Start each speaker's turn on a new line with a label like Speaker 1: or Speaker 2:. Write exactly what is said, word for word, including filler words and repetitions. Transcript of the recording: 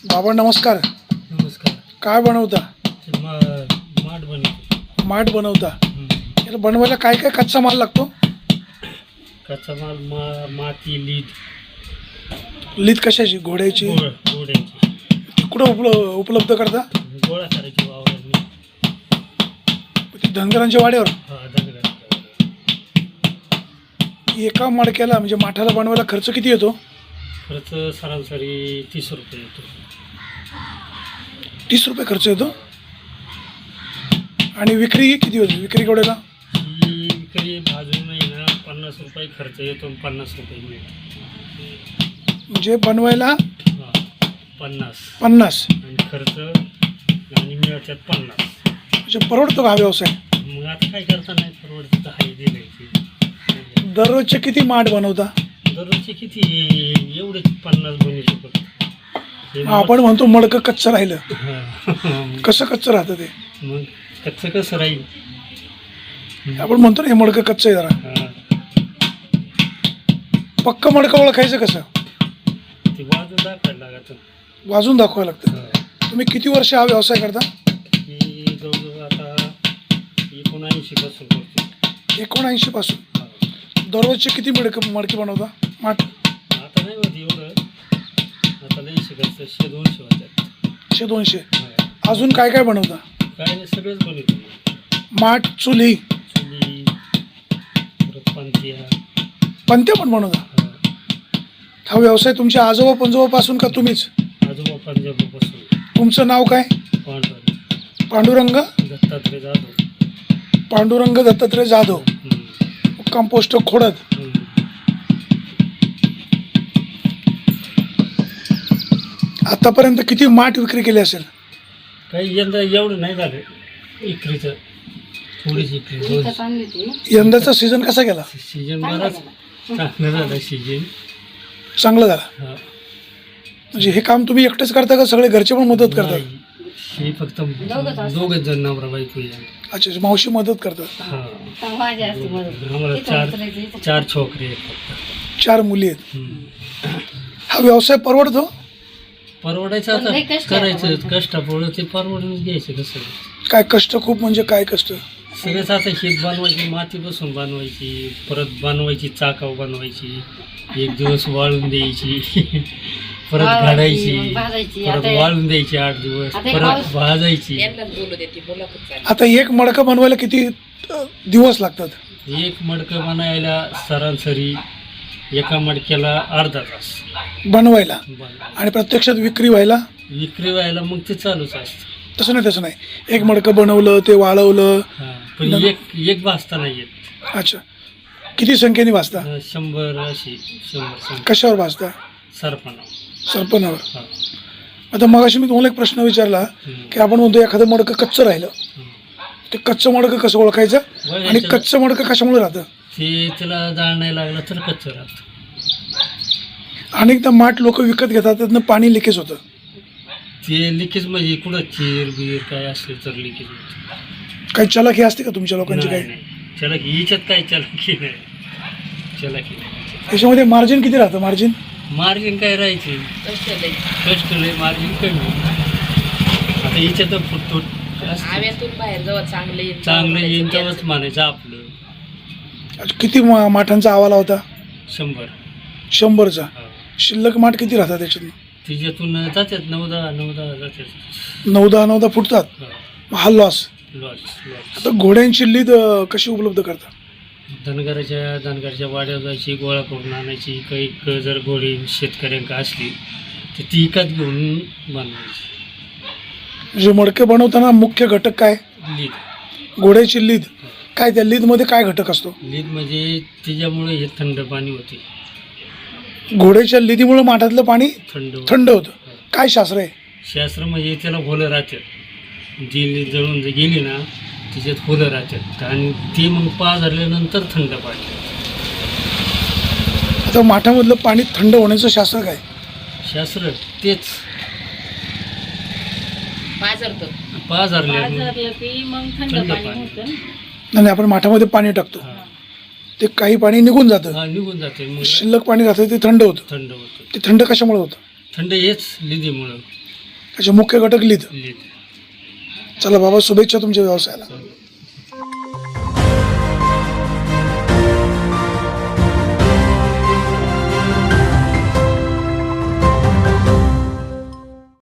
Speaker 1: बाबा नमस्कार.
Speaker 2: नमस्कार.
Speaker 1: काय बनवता?
Speaker 2: ते मा माठ बनवतो.
Speaker 1: माठ बनवता.
Speaker 2: हं.
Speaker 1: याला बनवायला काय काय कच्चा माल लागतो?
Speaker 2: कच्चा माल मा माती लीद
Speaker 1: लीद कशाची? घोड्याची?
Speaker 2: गोळ गोड्यांची
Speaker 1: कुठं उपल उपलब्ध करता?
Speaker 2: गोळा करायची वावरांनी.
Speaker 1: ती धनगरांच्या वाड्यावर.
Speaker 2: हा दगडांच्या.
Speaker 1: एका मडक्याला म्हणजे माठाला बनवायला खर्च किती येतो?
Speaker 2: खर्च सरासरी तीस रुपये येतो.
Speaker 1: तीस रुपये खर्च येतो. आणि विक्री किती होती? विक्री केवढ्याला?
Speaker 2: ही विक्री भाजून नाही ना पन्नास रुपये खर्च येतो आणि पन्नास रुपये मिळतो.
Speaker 1: म्हणजे बनवायला
Speaker 2: हां पन्नास
Speaker 1: पन्नास
Speaker 2: आणि खर्च आणि मिळतात पन्नास.
Speaker 1: म्हणजे परवडतो का हा व्यवसाय?
Speaker 2: मग आता काय करता नाही परवडतं तर हाय दिलायची.
Speaker 1: दररोजचे किती माठ बनवता?
Speaker 2: दररोजचे किती एवढेच पन्नास बनवू शकतो.
Speaker 1: आपण म्हणतो मडकं कच्चं राहिलं.
Speaker 2: हां.
Speaker 1: कसं कच्चं राहतं ते?
Speaker 2: मग कच्चं कसं राहील?
Speaker 1: आपण म्हणतो ना हे मडकं कच्चं आहे जरा.
Speaker 2: हां.
Speaker 1: पक्क मडकं ओळखायचं कसं?
Speaker 2: ते वाजून दाखवायला लागतं.
Speaker 1: वाजून दाखवावं लागतं.
Speaker 2: हां.
Speaker 1: तुम्ही किती वर्ष हा व्यवसाय करता?
Speaker 2: ही जवळजवळ आता एकोणऐंशी पासून करतो.
Speaker 1: एकोणऐंशी पासून.
Speaker 2: हां.
Speaker 1: दररोजचे किती मडकं मडकी बनवता माठ?
Speaker 2: आता नाही होत एवढं. आता नाही शिकायचं शे दोनशे होत्यात.
Speaker 1: शे दोनशे.
Speaker 2: हां.
Speaker 1: अजून काय काय बनवता?
Speaker 2: काय नाही सगळंच बनवतो.
Speaker 1: माठ, चुली,
Speaker 2: चुली परत पंथ्या.
Speaker 1: पंत्या पण बनवता.
Speaker 2: हां.
Speaker 1: हा व्यवसाय तुमच्या आजोबा पंजोबापासून का तुम्हीच?
Speaker 2: आजोबा पंजाबपासून.
Speaker 1: तुमचं नाव काय?
Speaker 2: पांढरा
Speaker 1: पांडुरंग
Speaker 2: दत्तात्रय जाधव.
Speaker 1: पांडुरंग दत्तात्रय जाधव.
Speaker 2: हं.
Speaker 1: कंपोस्ट खोडद.
Speaker 2: हं.
Speaker 1: आतापर्यंत किती माठ विक्री केली असेल?
Speaker 2: काही यंदा एवढं नाही झालं इकरीचं. थोडीच इकरी दोन.
Speaker 1: यंदाचा सीझन कसा गेला?
Speaker 2: सीजन बराच चांगलं झालं सीजन.
Speaker 1: चांगला झाला.
Speaker 2: हा.
Speaker 1: म्हणजे हे काम तुम्ही एकटेच करता का सगळे घरचे पण मदत करतात?
Speaker 2: नाही. हे फक्त दोघच जण नवरा बायको आहे.
Speaker 1: अच्छा, मावशी मदत करतात.
Speaker 2: हा. आम्हाला चार चार छोकरे आहेत फक्त.
Speaker 1: चार मुली आहेत.
Speaker 2: हं.
Speaker 1: हा व्यवसाय परवडतो?
Speaker 2: परवडायचं आता करायचं कष्टापुढं ते परवडूनच घ्यायचं कसं.
Speaker 1: काय कष्ट खूप म्हणजे काय कष्ट?
Speaker 2: सगळंच आता शीत बनवायची मातीपासून बनवायची परत बनवायची चाकाव बनवायची एक दिवस वाळून द्यायची परत घालायची परत वाळून द्यायची आठ दिवस परत भाजायची.
Speaker 1: आता एक मडकं बनवायला किती अ, दिवस लागतात?
Speaker 2: एक मडकं बनायला सरासरी एका मडक्याला अर्धा तास
Speaker 1: बनवायला
Speaker 2: बनवायला.
Speaker 1: आणि प्रत्यक्षात विक्री व्हायला?
Speaker 2: विक्री व्हायला मग ते चालूच असतं.
Speaker 1: तसं नाही तसं नाही. एक मडकं बनवलं ते वाळवलं.
Speaker 2: हां पण एक एक भाजता नाही येत.
Speaker 1: अच्छा, किती संख्येने भाजता?
Speaker 2: अं, शंभर अशी शंभर शंभर
Speaker 1: कशावर भाजता?
Speaker 2: सरपणा.
Speaker 1: सरपणावर.
Speaker 2: हां.
Speaker 1: आता मगाशी मी तुम्हाला एक प्रश्न विचारला
Speaker 2: हं.
Speaker 1: की आपण म्हणतो एखादं मडकं कच्चं राहिलं,
Speaker 2: हं.
Speaker 1: ते कच्चं मडकं कसं ओळखायचं आणि
Speaker 2: बघायचं.
Speaker 1: कच्चं मडकं कशामुळे राहतं?
Speaker 2: ते त्याला जाळ नाही लागला तर कच्चं राहतं.
Speaker 1: अनेकदा माठ लोक विकत घेतात, त्यातनं पाणी लिकेज होतं.
Speaker 2: ते लिकेज म्हणजे कुठं चीर बीर काय असले तर लिकेज होतं.
Speaker 1: काही चलाखी असते का तुमच्या लोकांची?
Speaker 2: नाही
Speaker 1: काही
Speaker 2: नाही चलाकी हिच्यात काय चलाकी नाही. चलाकी नाही.
Speaker 1: त्याच्यामध्ये मार्जिन किती राहतं? मार्जिन
Speaker 2: मार्जिन काय राहायचे कष्ट लय मार्जिन कमी. आता हिच्यात फुटतो चांगलं येईन तेव्हाच म्हणायचं आपलं.
Speaker 1: किती मा- माठांचा आवाला होता?
Speaker 2: शंभर.
Speaker 1: शंभरचा.
Speaker 2: हा.
Speaker 1: शिल्लक माठ किती राहतात त्याच्यातनं?
Speaker 2: तिच्यातून जातात नऊ दहा नऊ दहा जातात.
Speaker 1: नऊ दहा नऊ दहा फुटतात.
Speaker 2: हा.
Speaker 1: मग हा लॉस.
Speaker 2: Loss loss.
Speaker 1: आता घोड्यांची लीद अ, कशी उपलब्ध करतात?
Speaker 2: धनगराच्या धनगरच्या वाड्यावर जायची गोळा करून आणायची. काही क- जर गोळी शेतकऱ्यांका असली तर ती विकत घेऊन बनवायची.
Speaker 1: म्हणजे मडके बनवताना मुख्य घटक काय?
Speaker 2: लीद.
Speaker 1: घोड्याची लीद. काय त्या लीदमध्ये काय घटक असतो?
Speaker 2: लीद म्हणजे तिच्यामुळे हे थंड पाणी होते.
Speaker 1: घोड्याच्या लिदीमुळे माठातलं पाणी
Speaker 2: थंड होते.
Speaker 1: थंड होतं. काय शास्त्र आहे?
Speaker 2: शास्त्र म्हणजे त्याला होलं राहतात. जी लीद जळून जर गेली ना तिच्यात होलं राहतात आणि ती मग पाझरल्यानंतर थंड पाणी.
Speaker 1: आता माठामधलं पाणी थंड होण्याचं शास्त्र काय?
Speaker 2: शास्त्र तेच पाझरल्या थंड पाणी.
Speaker 1: आणि आपण माठामध्ये पाणी टाकतो,
Speaker 2: हा.
Speaker 1: ते काही पाणी निघून जातं,
Speaker 2: हा निघून जाते मग
Speaker 1: शिल्लक पाणी राहतं ते थंड होतं.
Speaker 2: थंड होतं.
Speaker 1: ते थंड कशामुळे होतं?
Speaker 2: थंड हेच लिदीमुळं.
Speaker 1: अच्छा, मुख्य घटक लीद.
Speaker 2: लीद.
Speaker 1: चला बाबा, शुभेच्छा तुमच्या व्यवसायाला.